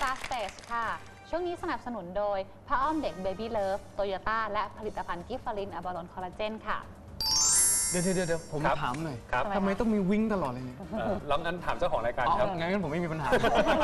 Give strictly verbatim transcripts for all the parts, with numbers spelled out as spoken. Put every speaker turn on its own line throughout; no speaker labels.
Star Stage ค่ะช่วงนี้สนับสนุนโดยผ้าอ้อมเด็ก Baby Love Toyota และผลิตภัณฑ์กิฟฟารินอะบาลอนคอลลาเจนค่ะ
เดี๋ยวเดี๋ยวเดี๋ยวผมถามหน่อยทำไมต้องมีวิ่งตลอดเลยเนี่ย
แล้วงั้นถามเจ้าของรายการครับ
งั้นผมไม่มีปัญหา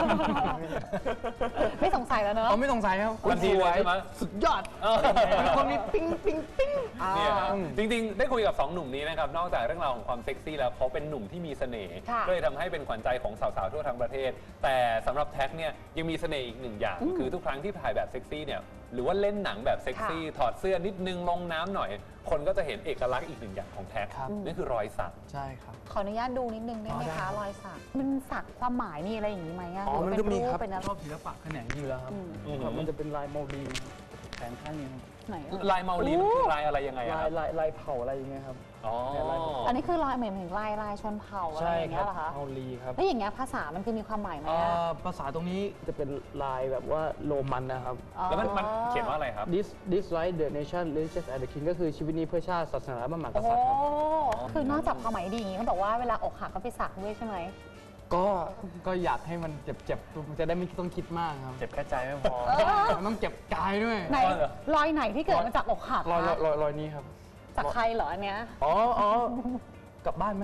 ไม่สงสัยแล้วเนอะ
เขาไม่สงสัยครับ
คุณดีเลยใช่ไหม
สุดยอดคนนี้ปิ้งปิ้งปิ้ง
เนี่ยจริงๆได้คุยกับสองหนุ่มนี้นะครับนอกจากเรื่องราวของความเซ็กซี่แล้วเขาเป็นหนุ่มที่มีเสน่ห์ก็เลยทำให้เป็นขวัญใจของสาวๆทั่วทั้งประเทศแต่สำหรับแท็กเนี่ยยังมีเสน่ห์อีกหนึ่งอย่างคือทุกครั้งที่ถ่ายแบบเซ็กซี่เนี่ยหรือว่าเล่นหนังแบบเซ็กซี่ถอดเสื้อนิดนึงลงน้ำหน่อยคนก็จะเห็นเอกลักษณ์อีกหนึ่งอย่างของแท็กนั่นคือรอยสัก
ใช่ครับ
ขออนุญาตดูนิดนึงได้ไหมคะรอยสักมันสักความหมายมีอะไรอย่างนี้ไหม
อ๋อมันก็มีครับ
เป็น
ชอบศิลปะแขนงอยู่แล้วครับมันจะเป็นลายโมลีนแขนข้างนี้
ไหน
ลายเมาลีมันคือลายอะไรยังไง
ลายลายลายเผาอะไรอย่างเงี้ยครับ
อ๋อ
อันนี้คือลายเหมือนถึงลายลายชนเผ่าอะไรอย่างเงี้ยเหรอคะ
เมาลีครับ
แล้วอย่างเงี้ยภาษามันคือมีความหมายไหม
ภาษาตรงนี้จะเป็นลายแบบว่าโรมันนะครับ
แล้วมันมันเขียนว่าอะไรครับ
this this right the nation religious and the king ก็คือชีวิตนี้เพื่อชาติศาสนาพระมหากษัตริย์ครับ
คือนอกจากความหมายดีอย่างนี้เขาบอกว่าเวลาอกหักก็ไปสักด้วยใช่ไหม
ก็ก็อยากให้มันเจ็บๆมันจะได้ไม่ต้องคิดมากครับ
เจ็บแค่ใจไม่พอ
มันต้องเจ็บกายด้วย
ไหนรอยไหนที่เกิดมาจากอกหัก
รอยรอยรอยนี้ครับ
จากใครเหรออันเนี้ย
อ๋ออ๋อกลับบ้านไหม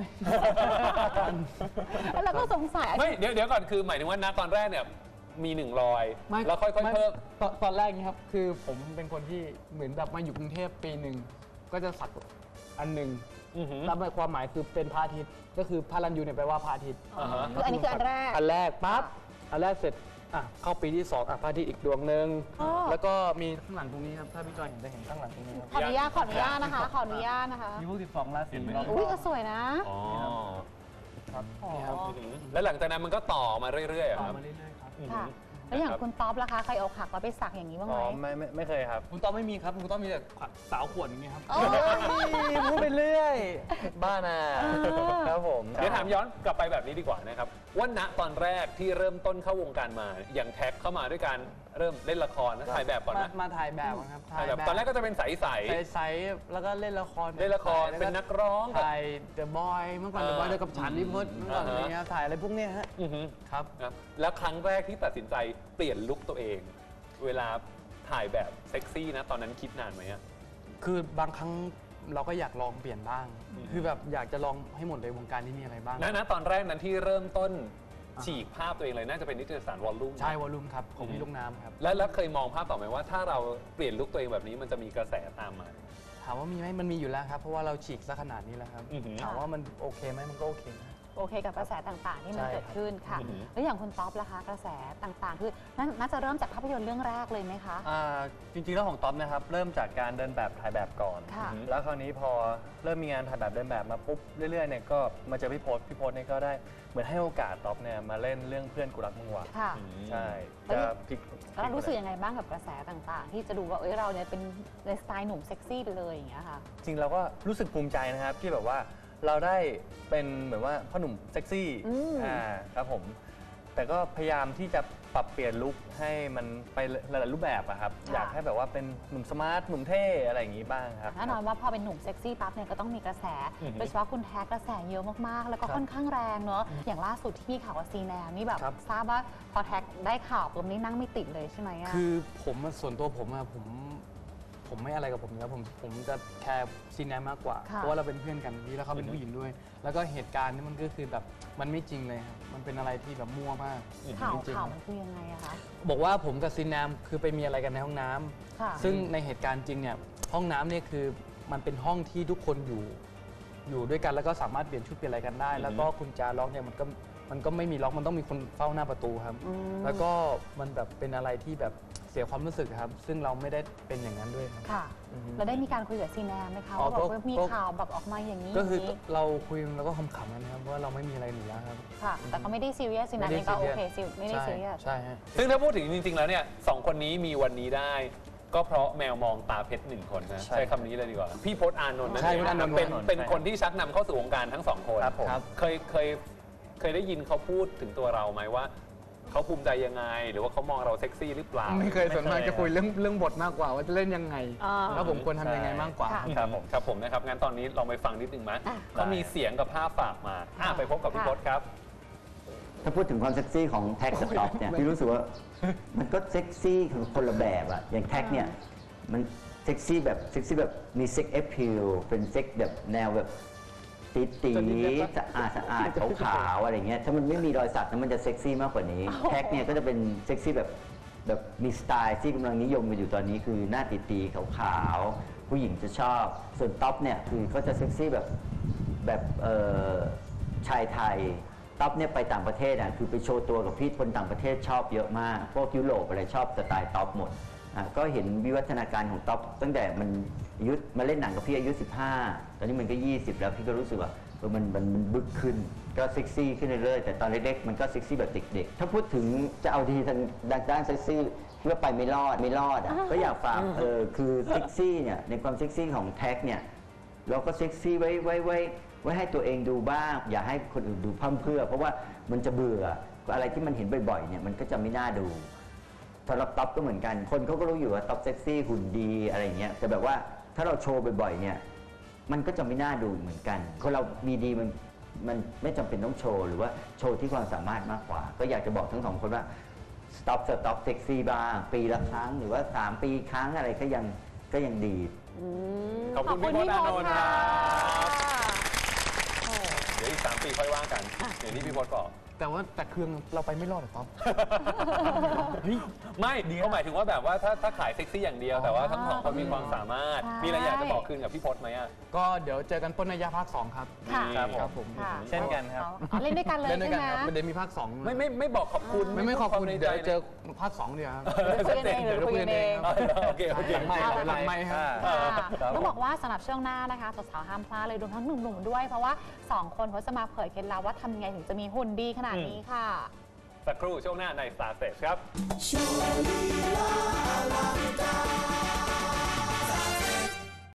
แล้วก็สงสัย
ไม่เดี๋ยวเดี๋ยวก่อนคือหมายถึงว่าณตอนแรกเนี่ยมีหนึ่งรอยแล้วค่อยๆเพิ่ม
ตอนแรกนี้ครับคือผมเป็นคนที่เหมือนแบบมาอยู่กรุงเทพปีหนึ่งก็จะสักอันหนึ่งแล้วความหมายคือเป็นพระอาทิตย์ก็คือพระรันยูเนี่ยแปลว่าพระอาทิตย์
คืออันนี้คืออันแรก
อันแรกปั๊บอันแรกเสร็จอ่ะเข้าปีที่สองอ่ะพระอาทิตย์อีกดวงหนึ่งแล้วก็มีข้างหลังตรงนี้ครับถ้าพี่จอยเห็นจะเห็นข้างหลังตรงนี้
ขออนุญาตขออนุญาตนะคะขออนุญาตนะคะ
มีพวกสิบสองราศี
อุ้ยก็สวยนะ
อ๋อ
ครับ
แล้วหลังจากนั้นมันก็ต่อมาเรื่อยๆ
ต่อมาเรื่อยๆครับ
ค่ะแล้วอย่างคุณต๊อบล่ะคะเคยอกหักแล้วไปสักอย่างนี้บ้างไหม
อ๋อไม่ไม่ไม่เคยครับ
คุณต๊อบไม่มีครับคุณต๊อบมีแต่สาวขวดอย่างนี้ครับ
พูดไปเรื่อยบ้าน่ะครับผม
เดี๋ยวถามย้อนกลับไปแบบนี้ดีกว่านะครับว่าณตอนแรกที่เริ่มต้นเข้าวงการมาอย่างแท็กเข้ามาด้วยการเริ่มเล่นละครถ่ายแบบก่อนนะ
มาถ่ายแบบครับ
ถ่ายแบบตอนแรกก็จะเป็นใส
ๆใสๆแล้วก็เล่นละคร
เล่นละครเป็นนักร้อง
ถ่ายเดอะบอยเมื่อก่อนเดอะบอยเดอะกับฉันนิพนธ์เมื่อก่อนอะไรเงี้ยถ่ายอะไรพวกเนี้ยฮะ
ครับแล้วครั้งแรกที่ตัดสินใจเปลี่ยนลุคตัวเองเวลาถ่ายแบบเซ็กซี่นะตอนนั้นคิดนานไหมอ่ะ
คือบางครั้งเราก็อยากลองเปลี่ยนบ้างคือแบบอยากจะลองให้หมดเลยวงการนี้มีอะไรบ้าง
นะนะตอนแรกนั้นที่เริ่มต้นฉีกภาพตัวเองเลยน่าจะเป็นนิตยสารวอลลุ่ม
ใช่วอลลุ่มครับของพี่ลูกน้ำครับ
แล้วแล้วเคยมองภาพต่อไหมว่าถ้าเราเปลี่ยนลุคตัวเองแบบนี้มันจะมีกระแสตามมา
ถามว่ามีไหมมันมีอยู่แล้วครับเพราะว่าเราฉีกซะขนาดนี้แล้วครับถามว่ามันโอเคไหมมันก็โอเคนะ
โอเคกับกระแสต่างๆที่มันเกิดขึ้นค่ะแล้วอย่างคุณต๊อบล่ะคะกระแสต่างๆคือน่าจะเริ่มจากภาพยนตร์เรื่องแรกเลยไหมคะ
จริงๆแล้วของต๊อบนะครับเริ่มจากการเดินแบบถ่ายแบบก่อนแล้วคราวนี้พอเริ่มมีงานถ่ายแบบเดินแบบมาปุ๊บเรื่อยๆเนี่ยก็มาเจอพี่พศพี่พศเนี่ยก็ได้เหมือนให้โอกาสต๊อบเนี่ยมาเล่นเรื่องเพื่อนกูรักมึงว่ะใช่จะพลิก
แล้วรู้สึกยังไงบ้างกับกระแสต่างๆที่จะดูว่าเอ้ยเราเนี่ยเป็นในสไตล์หนุ่มเซ็กซี่ไปเลยอย่างเงี้ยค่ะ
จริงเราก็รู้สึกภูมิใจนะครับที่แบบว่าเราได้เป็นเหมือนว่าพ่อหนุ่มเซ็กซี่อ่าครับผมแต่ก็พยายามที่จะปรับเปลี่ยนลุคให้มันไปหลายๆรูปแบบอะครับอยากให้แบบว่าเป็นหนุ่มสมาร์ทหนุ่มเท่อะไรอย่างนี้บ้างครับ
แน่นอนว่าพอเป็นหนุ่มเซ็กซี่ปั๊บเนี่ยก็ต้องมีกระแสโดยเฉพาะคุณแท็กกระแสเยอะมากๆแล้วก็ค่อนข้างแรงเนอะอย่างล่าสุดที่มีข่าวว่าซีแนมนี่แบบทราบว่าพอแท็กได้ข่าวปุ๊บนี่นั่งไม่ติดเลยใช่ไหมอะ
คือผมส่วนตัวผมอะผมผมไม่อะไรกับผมแล้วผมผมจะแคร์ซีแนมมากกว่าเพราะว่าเราเป็นเพื่อนกันนี่แล้วเขาเป็นผู้หญิงด้วยแล้วก็เหตุการณ์นี้มันก็คือแบบมันไม่จริงเลยครับมันเป็นอะไรที่แบบมั่วมาก
ข่าวข่าวมันคือยังไงอะคะ
บอกว่าผมกับซีแนมคือไปมีอะไรกันในห้องน้ำซึ่งในเหตุการณ์จริงเนี่ยห้องน้ำเนี่ยคือมันเป็นห้องที่ทุกคนอยู่อยู่ด้วยกันแล้วก็สามารถเปลี่ยนชุดเปลี่ยนอะไรกันได้แล้วก็กุญแจล็อกเนี่ยมันก็มันก็ไม่มีล็อกมันต้องมีคนเฝ้าหน้าประตูครับแล้วก็มันแบบเป็นอะไรที่แบบเสียความรู้สึกครับซึ่งเราไม่ได้เป็นอย่างนั้นด้วยครับ
ค่ะเราได้มีการคุยกับซีแนมไหมคะว่าบอกว่ามีข่าวแบบออกมาอย่างนี้
ก็คือเราคุยแล้วก็ขำๆกันนะครับว่าเราไม่มีอะไรหนีแล้วครับ
ค่ะแต่ก็ไม่ได้ซีเรียสซีแนมเองก็โอเคซิไม่ได้ซีเรียส
ใช่ฮะ
ซึ่งถ้าพูดถึงจริงๆแล้วเนี่ยสองคนนี้มีวันนี้ได้ก็เพราะแมวมองตาเพชรหนึ่งคนนะใช้คำนี้เลยดีกว่าพี่พจน์อานนท์นั่นเองเป็นเป็นคนที่ชักนำเข้าสู่วงการทั้งสองคนเคยเคยเคยได้ยินเขาพูดถึงตัวเราไหมว่าเขาภูมิใจยังไงหรือว่าเขามองเราเซ็กซี่หรือเปล่า
ไม่เคยส่วนมากจะคุยเรื่องเรื่องบทมากกว่าว่าจะเล่นยังไงแล้วผมควรทำยังไงมากกว่า
ครับผมครับผมนะครับงั้นตอนนี้เราไปฟังนิดนึงไหมเขามีเสียงกับภาพฝากมาไปพบกับพี่พจน์ครับ
ถ้าพูดถึงความเซ็กซี่ของแท็กกับท็อปเนี่ยพี่รู้สึกว่ามันก็เซ็กซี่คือคนละแบบอะอย่างแท็กเนี่ยมันเซ็กซี่แบบเซ็กซี่แบบมีเซ็กแอพพิลเป็นเซ็กแบบแนวแบบตีตีสะอาดสะอาดขาวๆอะไรเงี้ยถ้ามันไม่มีรอยสักนั้นมันจะเซ็กซี่มากกว่านี้แท็กเนี่ยก็จะเป็นเซ็กซี่แบบแบบมีสไตล์ที่กำลังนิยมกันอยู่ตอนนี้คือหน้าตีตีขาวๆผู้หญิงจะชอบส่วนท็อปเนี่ยคือเขาจะเซ็กซี่แบบแบบเอ่อชายไทยท็อปเนี่ยไปต่างประเทศอ่ะคือไปโชว์ตัวกับพี่คนต่างประเทศชอบเยอะมากพวกยุโรปอะไรชอบสไตล์ท็อปหมดอ่ะก็เห็นวิวัฒนาการของท็อปตั้งแต่มันอายุมาเล่นหนังกับพี่อายุสิบห้าตอนนี้มันก็ยี่สิบแล้วพี่ก็รู้สึกว่าเออมันมันมันบึกขึ้นก็เซ็กซี่ขึ้นเรื่อยๆแต่ตอนเล็กๆมันก็เซ็กซี่แบบเด็กๆถ้าพูดถึงจะเอาดีทางด้านเซ็กซี่คิดว่าไปไม่รอดไม่รอดอ่ะก็อยากฝากเออคือเซ็กซี่เนี่ยในความเซ็กซี่ของแท็กเนี่ยเราก็เซ็กซี่ไว้ไว้ไว้ไว้ให้ตัวเองดูบ้างอย่าให้คนอื่นดูพร่ำเพรื่อเพราะว่ามันจะเบื่ออะไรที่มันเห็นบ่อยๆเนี่ยมันก็จะไม่น่าดูสำหรับท็อปก็เหมือนกันคนเขาก็รู้อยู่ว่าท็อปเซ็กซี่หุ่นดีอะไรเงี้ยแต่แบบว่าถ้าเราโชว์บ่อยๆเนี่ยมันก็จะไม่น่าดูเหมือนกันคนเรามีดีมันมันไม่จำเป็นต้องโชว์หรือว่าโชว์ที่ความสามารถมากกว่าก็อยากจะบอกทั้งสองคนว่าสต็อปสต็อปเซ็กซี่บ้างปีละครั้งหรือว่าสามปีครั้งอะไรก็ยังก็ยังดี
ขอบคุณพี่พจน์อานนท์ครับเดี๋ยวอีกสามปีค่อยว่ากันอย่างที่พี่พจน์บอก
แต่ว่าแต่เครื่องเราไปไม่รอดหรอกป๊อป
ไม่เขาหมายถึงว่าแบบว่าถ้าถ้าขายเซ็กซี่อย่างเดียว แต่ว่าทั้งสองคนมีความสามารถ มีอะไรอยากจะบอกคืนกับพี่พจน์ไหมอ่ะ
ก็เดี๋ยวเจอกันปนนัยยะภาคสองครับ
ค่ะ
ครับผม
ค่ะ
เช่นกันครับ
อ๋อเล่นด้วยกันเลย
เล่นด้วย
ใช่
กัน
ไหม
ครับมันเดี๋ยวมีภาคสอง
ไม่ไม่ไม่บอกขอบคุณ
ไม่ไม่ขอบคุณ
ใน
เดี๋
ใจ
ยวเจอภาคสองเดียวครับ
คุยกันเองหรือคุยกันเอง
อ๋อโอเคโอเค
หลังไม่หลังไม่ครับ
ค่ะต้องบอกว่าสำหรับช่วงหน้านะคะสาวๆห้ามพลาดเลยรวมทั้งหนุ่มๆด้วยเพราะว่าสองคนเขาจะมาเผยเคล็ดลับว่าทำยังไงถึงจะมีหุ่นดีขนาดนี้ค่ะ
สักครู่ช่วงหน้าใน Star Stage ครับ
โชว์ลีลาอลัง